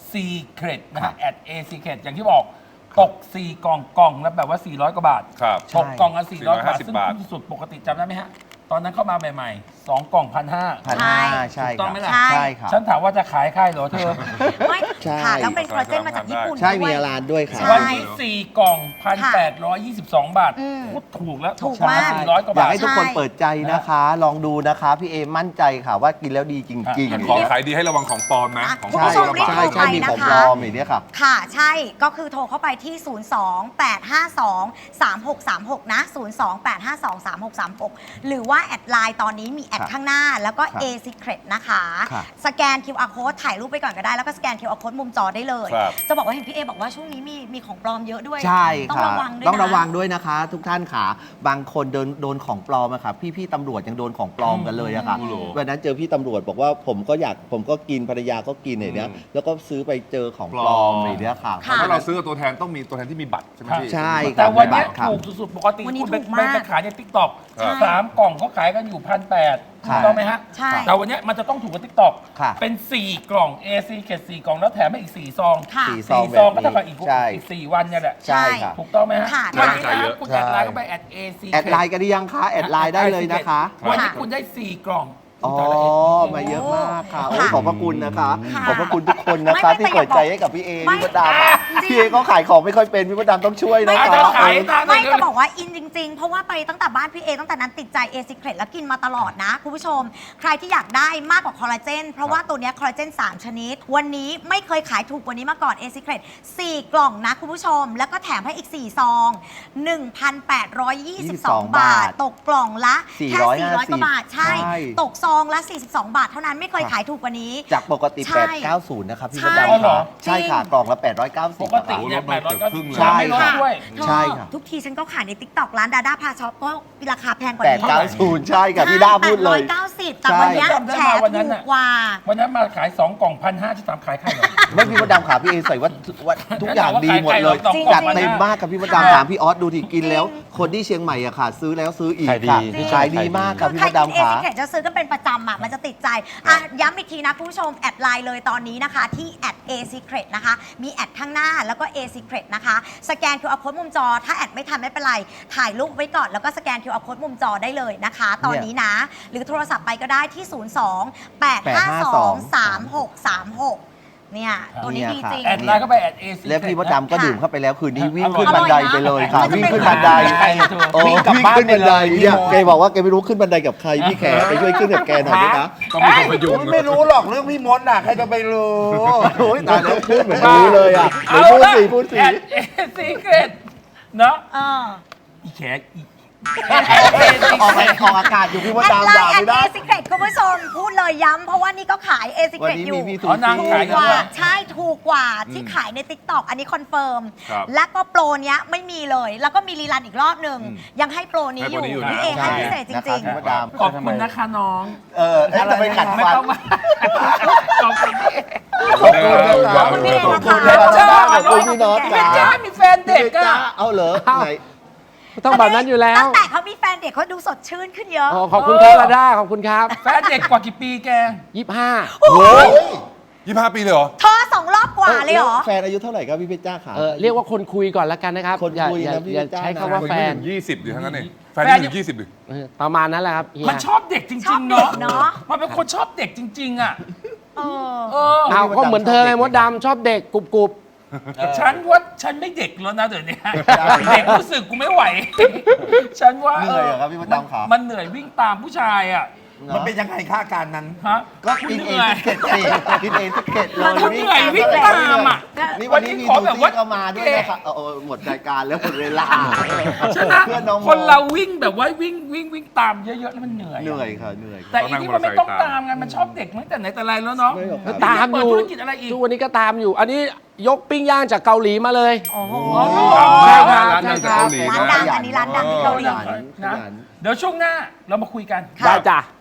Secret นะฮะ แอด A Secret อย่างที่บอกตก สี่ กล่องกล่องแล้วแบบว่า สี่ร้อย กว่าบาท
ครับ
ตกกล่องละสี่ร้อย กว่าบาท
สี่
ซึ่
ร้
ง
อยห้าสิบบาท
คุ้มสุดปกติจำได้ไหมฮะ ตอนนั้นเข้ามาใหม่ๆ สอง กล่องพันห้า
พันห้าใช่
ถูกต้องไหมล่ะ
ใช่
ใช่ครับ
ฉันถามว่าจะขายใครเหรอเธอ
ไม่
ใช่
ค่ะแล้วเป็นคอลลาเจนมาจากญี่ปุ่น
ใช่
ด้
มี
วย
อาร้านด้วยครับ
ใช่
วันนี้ สี่ กล่อง พันแปดร้อยยี่สิบสอง บาท
อืม
พูดถูกแล้ว
ถูกมาก
สี่ร้อย กว่า
อยา
บาก ท
ให้ทุกคน
ใช่
เปิดใจนะคะ ลองดูนะคะ พี่เอมั่นใจค่ะว่ากินแล้วดีจริง
แต่
ๆ
ของขายดีให้ระวังของปลอมนะ
อ่ะ
ของ
คุณ
ปลอ
ผู้
ม
ชมรีบ
ระ
ใช่
วัง
โทร
ใช่
ไป
มี
นะ
ของ
คะ
ปลอมอย่างเนี้ยครับ
ค่ะ ใช่ ก็คือโทรเข้าไปที่ ศูนย์ สอง แปด ห้า สอง สาม หก สาม หก นะ ศูนย์ สอง แปด ห้า สอง สาม หก สาม หก หรือว่าแอดไลน์ตอนนี้มีแอด
ครับ
ข้างหน้า แล้วก็
ครับ
A Secret นะคะ
ครับ
สแกน คิว อาร์ Code ถ่ายรูปไปก่อนก็ได้ แล้วก็สแกน คิว อาร์ Code มุมจอได้เลย
ครับ
จะบอกว่าเห็นพี่เอบอกว่าช่วงนี้มีมีของปลอมเยอะด้วย
ใช่
ต้อง
ค่ะ
ระวังด้วยนะ
ต้องระวังด้วยนะคะ ทุกท่านค่ะ บางคนโดนโดนของปลอมอะค่ะพี่ๆตำรวจยังโดนของปลอมกันเลยอะค่ะ
อืม
วันนั้นเจอพี่ตำรวจบอกว่าผมก็อยากผมก็กินภรรยาก็กินอย่างเนี้ย
อืม
แล้วก็ซื้อไปเจอของปลอม
ปลอม
อย่างเนี้ยค่ะ
ค่ะ
ถ้าเราซื้อกับตัวแทนต้องมีตัวแทนที่มีบัตรใช่ไหมพี่
ใช่
แต่วันเนี้ย
ครับ
ถูกสุดๆ ปกติ
วันนี้
คุณไป
ถูก
ไป
มาก
ไปขายในทิกตอก
ครับ
สามกล่องเขาขายกันอยู่พันแปด
ครั
ถู
บ
กต้องไหมฮะ
ใช่
แต่วันเนี้ยมันจะต้องถูกกับทิกตอก
ค่ะ
เป็น สี่ กล่อง A C เกตสี่กล่องแล้วแถมให้อีก สี่ ซอง
ค่ะ
สี่
สี่
ซ
ซ
อ
อง ง
แบบ
ก็เท่ากับ
นี้
อีก
ใช่
อีกสี่วันเนี่ยแหละ
ใช่ค่ะ
ถูกต้องไหมฮะ
ค่ะ
วันนี้
ใช่เย
นะ
อะ
คุณแอดไลน์ก็ไปแอด A C
แอดไลน์กันหรือยังคะแอดไลน์ได้เลยนะคะ
วันนี้คุณได้ สี่ กล่อง
อ๋อ
แต่ละ
มาเยอะมากค่ะโอ้
ค่ะ
ขอบพระคุณนะคะ
ค่ะ
ขอบพระคุณทุกคนนะคะ
ไม่ไม่
ที่เปิดใจให้กับพี่เอ
ไม่
พี่มดดำอะ
จริง
พี่เอก็ขายของไม่ค่อยเป็นพี่มดดำต้องช่วยนะ
อาจ
คะ
จะขายตาม
ไม่จะบอกว่าอินจริง ๆ เพราะว่าไปตั้งแต่บ้านพี่เอตั้งแต่นั้นติดใจเอซิเครตแล้วกินมาตลอดนะคุณผู้ชม ใครที่อยากได้มากกว่าคอลลาเจนเพราะว่าตัวเนี้ยคอลลาเจนสามชนิด วันนี้ไม่เคยขายถูกกว่านี้มาก่อนเอซิเครตสี่กล่องนะคุณผู้ชม แล้วก็แถมให้อีกสี่ซอง หนึ่งพันแปดร้อยยี่สิบสอง บาท ตกกล่องละแค่สี่ร้อยกว่าบาทใช่ ตกซองละสี่สิบสอง บาทเท่านั้นไม่เคยขายถูกกว่านี้
จากปกติ
ใช่
แปดร้อยเก้าสิบ นะครับพี่มด
ใช่
ดำ
เหรอ
ใช่ค่ะ กล่องละ แปดร้อยเก้าสิบ
ปกติ
อะ
เนี่ย
โอ้
แปดร้อยก็
ลดมาเกือบครึ่งเลย
ไม่ลดด้วย
ใช่ค่ะ
ทุกทีฉันก็ขายใน ติ๊กต็อก ร้านดาด้าพาช็อปก็ราคาแพงกว่า
แปด
นี้
เก้าศูนย์ใช่ค่ะพี่ด้าพูดเลย
แปดร้อยเก้าสิบแต่วันเนี้ย
ใช่
แชร์
วันนั้น
ถู
น่ะ
กกว่า
วันนั้นมาขาย สอง กล่องพันห้าจะตามขายใครเหรอ
ไม่พี่มดดำขาพี่เอใส่ว่าว่าทุกอย่างดีหมดเลย
จริงๆ
จัดเต็มมากกับพี่มดดำถามพี่ออสดูที่กินแล้ว คนที่เชียงใหม่อะค่ะ ซื้อแล้วซื้ออีก
ขายดี
ค่ะ
พี่
ขายดี
ขายดี
มากกับ
คือ
พี่
ใคร
มด
กินเอ
ดำขา
ซิเคจะซื้อกันเป็นประจำอ่ะมันจะติดใจอ่ะย้ำอีกทีนะคุณผู้ชม แอดไลน์เลยตอนนี้นะคะที่แอด A Secret นะคะ มีแอดข้างหน้าแล้วก็ A Secret นะคะ สแกน คิว อาร์ Code มุมจอ ถ้าแอดไม่ทันไม่เป็นไร ถ่ายรูปไว้ก่อนแล้วก็สแกน คิว อาร์ Code มุมจอได้เลยนะคะ ตอนนี้นะ หรือโทรศัพท์ไปก็ได้ที่ ศูนย์ สอง แปด ห้า สอง สาม หก สาม หก เนี่ย ตัวนี้ดีจริง
แอดไลน์ก็ไปแอด A C
แล้วพี่มดดำก็
ค่ะ
ดื่มเข้าไปแล้วคืนนี้วิ่งขึ้น
อร่
บั
อน ย
ได
นะ
ไปเลยค่ะ
มันจะ
วิ่ง
เป็น
ขึ้นบันได
ใครเธอ
โอ้
วิ่งกลับ
วิ่ง
บ้าน
ขึ้นบันได
ไปเลย
เนี่ย
พี่มด
แกบอกว่าแกไม่รู้ขึ้นบันไดกับใครพี่แขไปช่วยขึ้นกับแกหน่อยด้วยนะ
ต้องมีคนพยุง
ไม่รู้หรอกเรื่องพี่มดน่ะใครจะไปรู้
โอ้ยตายแล้วพูดเหมือนรู้เลยอ่ะไหน
เอา
พูด
ละ
สิพูดสิ
แอด A Secret เนาะ
เออ
อีแขกอี
ออกไปออกอากาศอยู่พี่มด
แอด
ดำ
ไล
ด่า
น์แอ
ไม่
ด
ได้
เอซิเครตคุณผู้ชมพูดเลยย้ำเพราะว่านี่ก็ขายเอซิ
วั
เคน รต
นี้
อยู่
มีพี่
อ๋
สุ
อนาง
ชี
ถู
ขาย
ก
กัน
กว่า
ด้วย
ใช่ถูกกว่าที่ขายใน ติ๊กต็อก อันนี้คอนเฟิร์ม
ครับ
และก็โปรเนี้ยไม่มีเลย แล้วก็มีรีรันอีกรอบหนึ่งยังให้โปรนี้อยู่
ให้โปรนี้อยู่นะ
พี่เอให้พิเศษจ
นะค
ริ
บ
ง
พี่มดดำ
ขอบคุณนะคะน้อง
เออเอ๊ะจะไปขัด
ไม่
ฟัน
ต้องมาขอบคุณพี่
ขอบคุณนะ
ๆ ขอบคุณพี่เอนะคะ
ขอบคุณพี่น็อต
เพชรจ้ามีแฟนเด็ก
จ้า
อะ
เอาเหรอไหน
ต้องแบบนั้นอยู่แล้ว
ตั้งแต่เขามีแฟนเด็กเขาดูสดชื่นขึ้นเยอะ
อ๋อขอบคุณครับลาด้าขอบคุณครับ
แฟนเด็กกว่ากี่ปีแก
ยี่สิบห้า
โอ้ย
ยี่สิบห้าปีเลยเหรอ
เธอสองรอบกว่าเลยเหรอ
แฟนอายุเท่าไหร่ครับพี่เพชรจ้าขา
เออเรียกว่าคนคุยก่อนแล้วกันนะครับ
คน
อย่า
คุย
อย่า
นะพี่
อย่า
จ้า
ใช้คำว่าแฟน
ยี่สิบดิทั้งนั้นเองแฟน
แฟน
นี่ถึงยี่สิบดิ
เออประมาณนั้นแหละครับเฮีย
มันชอบเด็กจ
ช
ริ
อบ
ง ๆ
เด็ก
เนาะ
เนาะ
มันเป็นคนชอบเด็กจริง ๆ อ่ะ
เออ
เออ
เอาก็เหมือนเธอไงมดดำชอบเด็กกรุบกรุบ
ฉันว่าฉันไม่เด็กแล้วนะเดี๋ยวนี้เด็กรู้สึกกูไม่ไหว ฉันว่า
เหนื่อยเหรอครับพี่มดดำครับ
มันเหนื่อยวิ่งตามผู้ชายอ่ะ
มันเป็นยังไงค่าการนั้น
ฮะ
ก็
คุณ
กิน
เห
เอ
นื่อย
สเก็ตสิกินเอสเก็ตเลย
มันเหนื่อยวิ่งตามอ่ะ
นี่วันนี้มี
ขอ
ซู
แบบ
ซี่
ว่า
ก็มาด้วยนะครับเอาเอาหมดรายการแล้วหมดเวลา
ใช่ไหม
เพื่อนน้อง
คนเราวิ่งแบบว่าวิ่งวิ่งวิ่งตามเยอะๆแล้วมันเหนื่อยอะ
เหนื่อยค่ะเหนื่อย
แต่อีนี่มันไม่ต้องตามไงมันชอบเด็กตั้งแต่ไหนแต่ไรแล้วเนาะ
ไม่หรอกครับ
ๆตามอยู่
เปิดธุรกิจอะไรอีก
ทุกวันนี้ก็ตามอยู่ อันนี้ยกปิ้งย่างจากเกาหลีมาเลย
โอ้โห
ใช่ครับ
ร้านดังจากเกาหลี
ร้านดังอันนี้ร้านดังที่เกาหลี
ขยันข
นะ
ยัน
เดี๋ยวช่วงหน้าเรามาคุยกัน
ได้จ้ะ